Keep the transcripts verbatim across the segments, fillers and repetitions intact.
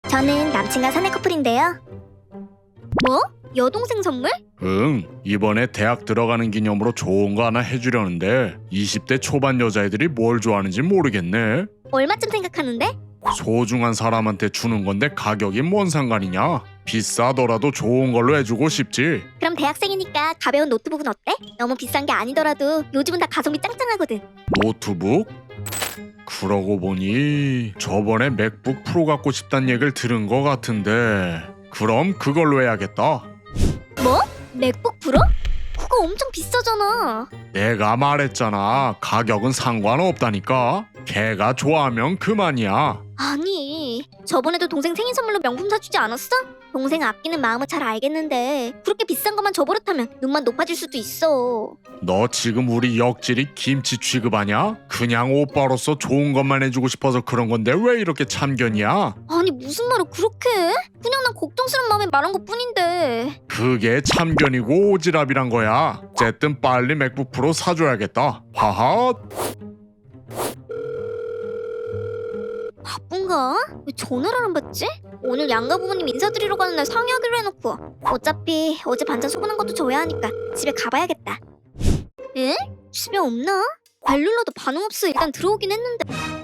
저는 남친과 사내 커플인데요. 뭐? 여동생 선물? 응, 이번에 대학 들어가는 기념으로 좋은 거 하나 해주려는데 이십 대 초반 여자애들이 뭘 좋아하는지 모르겠네. 얼마쯤 생각하는데? 소중한 사람한테 주는 건데 가격이 뭔 상관이냐? 비싸더라도 좋은 걸로 해주고 싶지. 그럼 대학생이니까 가벼운 노트북은 어때? 너무 비싼 게 아니더라도 요즘은 다 가성비 짱짱하거든. 노트북? 그러고 보니 저번에 맥북 프로 갖고 싶단 얘기를 들은 거 같은데 그럼 그걸로 해야겠다. 뭐? 맥북 프로? 그거 엄청 비싸잖아. 내가 말했잖아. 가격은 상관없다니까. 걔가 좋아하면 그만이야. 아니, 저번에도 동생 생일 선물로 명품 사주지 않았어? 동생 아끼는 마음은 잘 알겠는데 그렇게 비싼 것만 줘버릇하면 눈만 높아질 수도 있어. 너 지금 우리 역질이 김치 취급하냐? 그냥 오빠로서 좋은 것만 해주고 싶어서 그런 건데 왜 이렇게 참견이야? 아니 무슨 말을 그렇게 해? 그냥 난 걱정스러운 마음에 말한 것뿐인데. 그게 참견이고 오지랖이란 거야. 어쨌든 빨리 맥북 프로 사줘야겠다. 하하. 바쁜가? 왜 전화를 안 받지? 오늘 양가 부모님 인사드리러 가는 날 상의하기로 해놓고 어차피 어제 반찬 소분한 것도 줘야 하니까 집에 가봐야겠다. 에? 집에 없나? 벨 눌러도 반응 없어. 일단 들어오긴 했는데.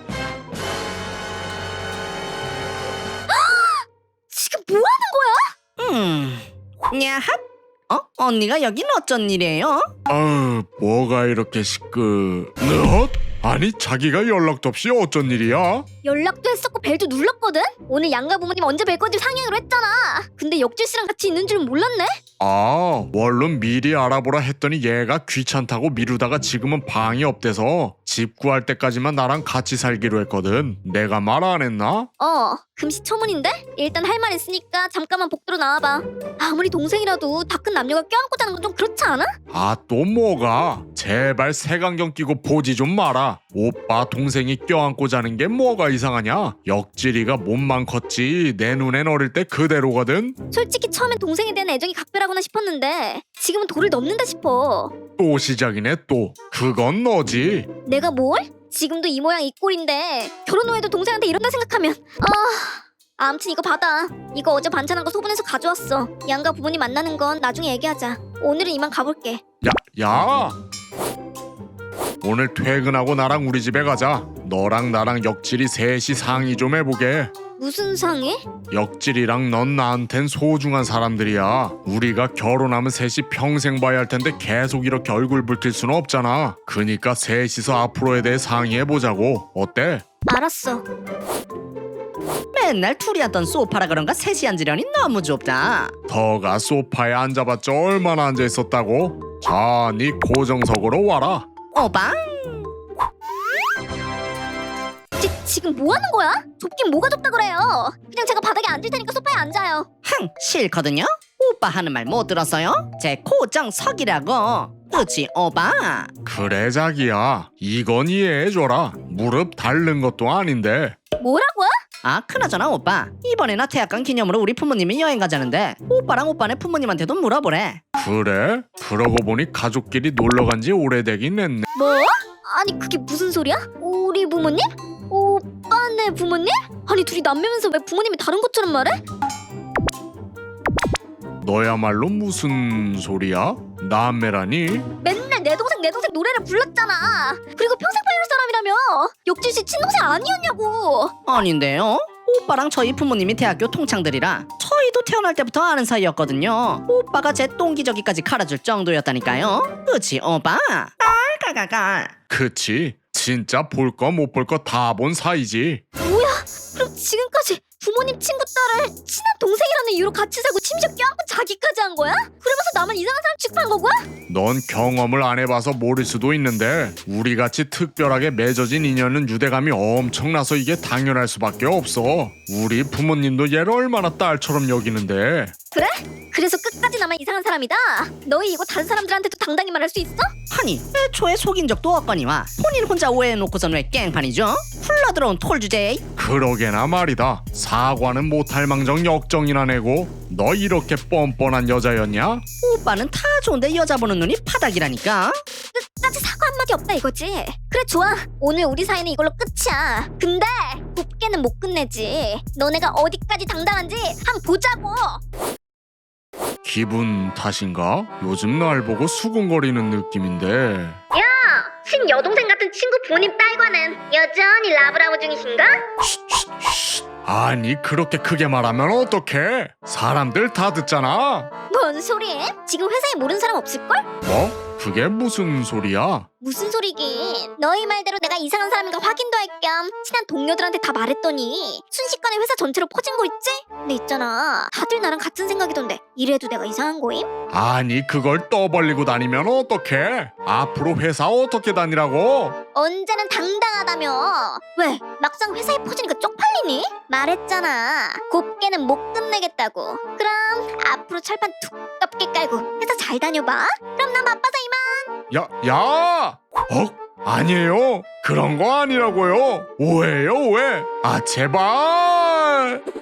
지금 뭐 하는 거야? 음, 야핫? 어? 언니가 여긴 어쩐 일이에요? 아유, 뭐가 이렇게 시끄... 너? 아니 자기가 연락도 없이 어쩐 일이야? 연락도 했었고 벨도 눌렀거든? 오늘 양가 부모님 언제 뵐 건지 상의하기로 했잖아. 근데 역질 씨랑 같이 있는 줄은 몰랐네? 아, 원룸 미리 알아보라 했더니 얘가 귀찮다고 미루다가 지금은 방이 없대서 집 구할 때까지만 나랑 같이 살기로 했거든. 내가 말 안 했나? 어, 금시초문인데? 일단 할 말 있으니까 잠깐만 복도로 나와봐. 아무리 동생이라도 다 큰 남녀가 껴안고 자는 건 좀 그렇지 않아? 아, 또 뭐가? 제발 색안경 끼고 보지 좀 마라. 오빠 동생이 껴안고 자는 게 뭐가 이상하냐? 역질이가 몸만 컸지 내 눈엔 어릴 때 그대로거든. 솔직히 처음엔 동생에 대한 애정이 각별하구나 싶었는데 지금은 도를 넘는다 싶어. 또 시작이네 또. 그건 너지. 내가 뭘? 지금도 이 모양 이 꼴인데 결혼 후에도 동생한테 이런다 생각하면 아... 아무튼 이거 받아. 이거 어제 반찬한 거 소분해서 가져왔어. 양가 부모님 만나는 건 나중에 얘기하자. 오늘은 이만 가볼게. 야, 야! 오늘 퇴근하고 나랑 우리 집에 가자. 너랑 나랑 역질이 셋이 상의 좀 해보게. 무슨 상의? 역질이랑 넌 나한텐 소중한 사람들이야. 우리가 결혼하면 셋이 평생 봐야 할 텐데 계속 이렇게 얼굴 붉힐 수는 없잖아. 그니까 셋이서 앞으로에 대해 상의해보자고. 어때? 알았어. 맨날 둘이 앉던 소파라 그런가 셋이 앉으려니 너무 좁다. 더가 소파에 앉아봤자 얼마나 앉아있었다고? 자, 네 고정석으로 와라. 오빠? 지, 지금 뭐 하는 거야? 좁긴 뭐가 좁다 그래요. 그냥 제가 바닥에 앉을 테니까 소파에 앉아요. 흥, 싫거든요? 오빠 하는 말 못 들었어요? 제 고정석이라고. 그치 오빠? 그래 자기야, 이건 이해해줘라. 무릎 닳는 것도 아닌데. 뭐라고요? 아 그나저나 오빠 이번에 나 대학 간 기념으로 우리 부모님이 여행 가자는데 오빠랑 오빠네 부모님한테도 물어보래. 그래? 그러고 보니 가족끼리 놀러간 지 오래되긴 했네. 뭐? 아니 그게 무슨 소리야? 우리 부모님? 오빠네 부모님? 아니 둘이 남매면서 왜 부모님이 다른 것처럼 말해? 너야말로 무슨 소리야? 남매라니? 맨날 내 동생 내 동생 노래를 불렀잖아. 그리고 평생 팔릴 사람이라며. 역질 씨 친동생 아니었냐고. 아닌데요? 오빠랑 저희 부모님이 대학교 동창들이라 저희도 태어날 때부터 아는 사이였거든요. 오빠가 제 똥기저귀까지 갈아줄 정도였다니까요. 그치 오빠? 깔깔깔깔. 그치? 진짜 볼 거 못 볼 거 다 본 사이지. 뭐야? 그럼 지금까지 부모님 친구 딸을 친한 동생이라는 이유로 같이 살고 심지어 껴안고 자기까지 한 거야? 그러면서 나만 이상한 사람 취급한 거고요? 넌 경험을 안 해봐서 모를 수도 있는데 우리같이 특별하게 맺어진 인연은 유대감이 엄청나서 이게 당연할 수밖에 없어. 우리 부모님도 얘를 얼마나 딸처럼 여기는데. 그래? 그래서 끝까지 나만 이상한 사람이다? 너희 이거 다른 사람들한테도 당당히 말할 수 있어? 아니 애초에 속인 적도 없거니와 본인 혼자 오해해놓고선 왜 깽판이죠? 흘러들어온 톨 주제에. 그러게나 말이다. 사과는 못할 망정 역정이나 내고. 너 이렇게 뻔뻔한 여자였냐? 오빠는 다 좋은데 여자 보는 눈이 파닥이라니까. 끝까지 사과 사과 한마디 없다 이거지. 그래 좋아. 오늘 우리 사이는 이걸로 끝이야. 근데 곱게는 못 끝내지. 너네가 어디까지 당당한지 한번 보자고. 기분 탓인가? 요즘 날 보고 수군거리는 느낌인데. 친여동생 같은 친구 본인 딸과는 여전히 라브라브 중이신가? 아니 그렇게 크게 말하면 어떡해? 사람들 다 듣잖아. 뭔 소리? 지금 회사에 모르는 사람 없을걸? 뭐? 그게 무슨 소리야? 무슨 소리긴. 너희 말대로 내가 이상한 사람인가 확인도 할 겸 친한 동료들한테 다 말했더니 순식간에 회사 전체로 퍼진 거 있지? 근데 있잖아, 다들 나랑 같은 생각이던데 이래도 내가 이상한 거임? 아니 그걸 떠벌리고 다니면 어떡해? 앞으로 회사 어떻게 다니라고? 언제는 당당하다며. 왜? 막상 회사에 퍼지니까 쪽팔리니? 말했잖아, 곱게는 못 끝내겠다고. 그럼 앞으로 철판 두껍게 깔고 회사 잘 다녀봐. 그럼 나 바빠서 이만. 야, 야! 어? 아니에요. 그런 거 아니라고요. 오해요, 오해. 아, 제발.